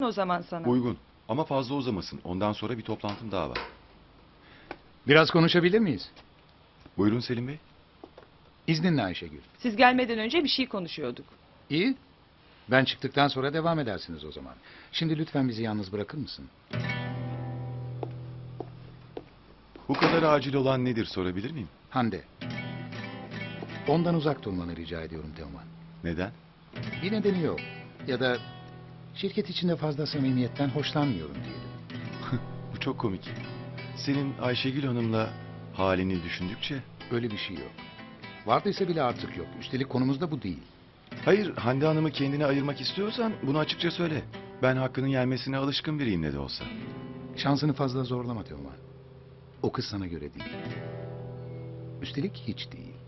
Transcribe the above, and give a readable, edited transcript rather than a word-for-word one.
o zaman sana? Uygun. Ama fazla uzamasın. Ondan sonra bir toplantım daha var. Biraz konuşabilir miyiz? Buyurun Selim Bey. İzninle Ayşegül. Siz gelmeden önce bir şey konuşuyorduk. İyi. Ben çıktıktan sonra devam edersiniz o zaman. Şimdi lütfen bizi yalnız bırakır mısın? Bu kadar acil olan nedir sorabilir miyim? Hande. Ondan uzak durmanı rica ediyorum Teoman. Neden? Bir nedeni yok. Ya da şirket içinde fazla samimiyetten hoşlanmıyorum diyelim. Bu çok komik. Senin Ayşegül Hanım'la halini düşündükçe... Öyle bir şey yok. Vardıysa bile artık yok. Üstelik konumuz da bu değil. Hayır, Hande Hanım'ı kendine ayırmak istiyorsan bunu açıkça söyle. Ben hakkının yenmesine alışkın biriyim ne de olsa. Şansını fazla zorlama Teoman. O kız sana göre değil. Üstelik hiç değil.